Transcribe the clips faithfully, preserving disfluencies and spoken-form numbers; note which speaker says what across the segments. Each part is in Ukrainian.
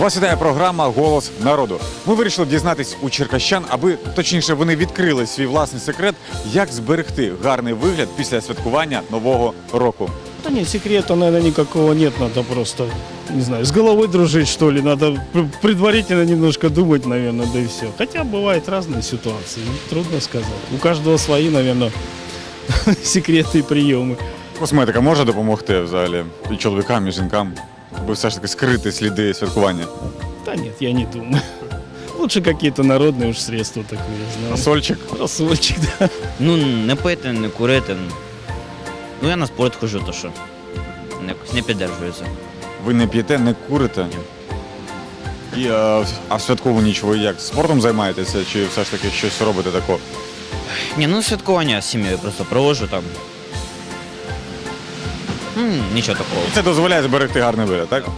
Speaker 1: Вас вітає програма «Голос народу». Ми вирішили дізнатись у черкащан, аби, точніше, вони відкрили свій власний секрет, як зберегти гарний вигляд після святкування Нового року.
Speaker 2: Да нет, секрета, наверное, никакого нет. Надо просто, не знаю, с головой дружить, что ли. Надо предварительно немножко думать, наверное, да и все. Хотя бывают разные ситуации, трудно сказать. У каждого свои, наверное, секреты и приемы.
Speaker 1: Косметика може допомогти взагалі і чоловікам, і жінкам, аби все ж таки скрити сліди святкування?
Speaker 2: Да нет, я не думаю. Лучше какие-то народные уж средства такие, я знаю.
Speaker 1: Рассольчик?
Speaker 2: Рассольчик, да.
Speaker 3: Ну, не пити, не курити. Ну, я на спорт ходжу, то що якось не піддержується.
Speaker 1: Ви не п'єте, не курите? І, а, а в святкову ніч ви як? Спортом займаєтеся чи все ж таки щось робите такого?
Speaker 3: Ні, ну святкування з сім'єю просто проводжу там. М, нічого такого.
Speaker 1: Це дозволяє зберегти гарний вигляд, так?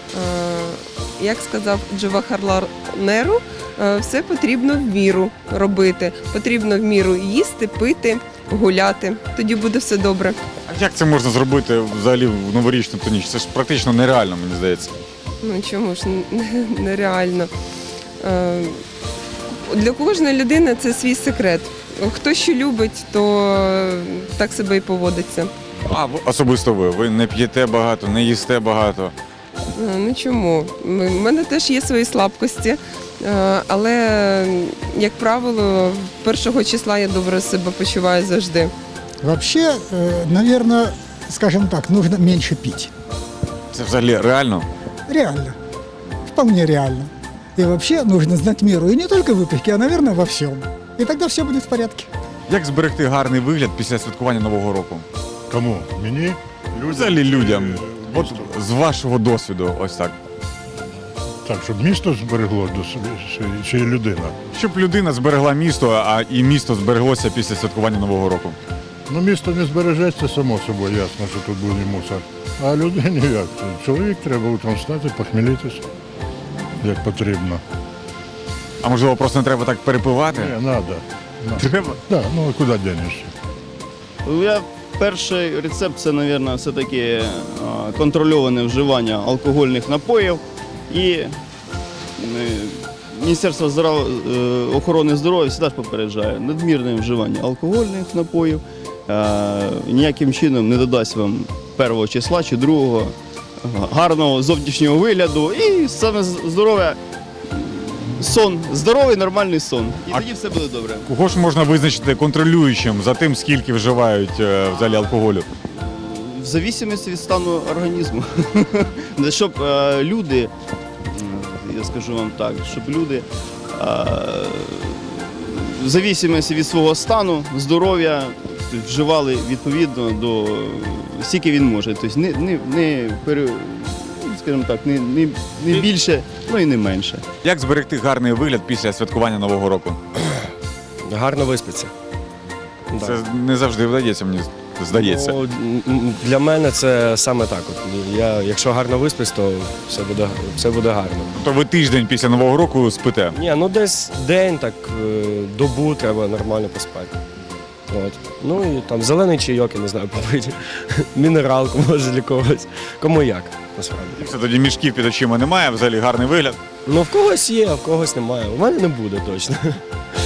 Speaker 4: Е, Як сказав Джавахарлал Неру, е, все потрібно в міру робити. Потрібно в міру їсти, пити, гуляти. Тоді буде все добре.
Speaker 1: А як це можна зробити взагалі в новорічну ту ніч? Це ж практично нереально, мені здається.
Speaker 4: Ну чому ж н- нереально. Е, Для кожної людини це свій секрет. Хто що любить, то так себе і поводиться.
Speaker 1: А ви- особисто ви? Ви не п'єте багато, не їсте багато.
Speaker 4: Е, Ну чому? У мене теж є свої слабкості, е, але, як правило, першого числа я добре себе почуваю завжди.
Speaker 5: Вообще, э, наверное, скажем так, нужно меньше пить.
Speaker 1: Це взагалі реально?
Speaker 5: Реально. Вполне реально. И вообще нужно знать меру. И не только в выпивке, а, наверное, во всем. И тогда все будет в порядке.
Speaker 1: Як зберегти гарний вигляд після святкування Нового року?
Speaker 6: Кому? Мені? Людям?
Speaker 1: Взагалі людям.
Speaker 6: Е,
Speaker 1: От
Speaker 6: місту?
Speaker 1: з вашого досвіду, ось так.
Speaker 6: Так, щоб місто зберегло до собі, чи, чи людина?
Speaker 1: Щоб людина зберегла місто, а і місто збереглося після святкування Нового року.
Speaker 6: Ну, місто не збережеться, само собою, ясно, що тут буде мусор. А людині як? Чоловік треба утром встати, похмілитися, як потрібно.
Speaker 1: А можливо, просто не треба так перепивати?
Speaker 6: Не, треба.
Speaker 1: Треба?
Speaker 6: Да, ну а куди денешся?
Speaker 7: Я перший рецепт це, мабуть, все-таки а, контрольоване вживання алкогольних напоїв і е, Міністерство здоров... е, охорони здоров'я завжди ж попереджає надмірне вживання алкогольних напоїв е, ніяким чином не додасть вам першого числа чи другого гарного зовнішнього вигляду і саме здоров'я, сон, здоровий нормальний сон. І
Speaker 1: А-
Speaker 7: тоді все буде добре.
Speaker 1: Кого ж можна визначити контролюючим за тим, скільки вживають е, взагалі алкоголю?
Speaker 7: В зависимості від стану організму. Щоб е, люди, м, я скажу вам так, щоб люди е, в зависимості від свого стану, здоров'я вживали відповідно до скільки він може. Тобто не, не, не, пере- скажімо так, не, не, не більше, ну і не менше.
Speaker 1: Як зберегти гарний вигляд після святкування Нового року?
Speaker 8: Гарно виспиться. Да.
Speaker 1: Це не завжди вдається, мені здається.
Speaker 8: Ну, м, для мене це саме так. От. Я, якщо гарно виспись, то все буде, все буде гарно.
Speaker 1: Тобто ви тиждень після Нового року спите?
Speaker 8: Ні, ну десь день, так е, добу треба нормально поспати. От. Ну і там зелений чайок, я не знаю, попити. Мінералку може для когось. Кому як, насправді.
Speaker 1: І все, тоді мішків під очима немає, взагалі гарний вигляд.
Speaker 8: Ну в когось є, а в когось немає. У мене не буде точно.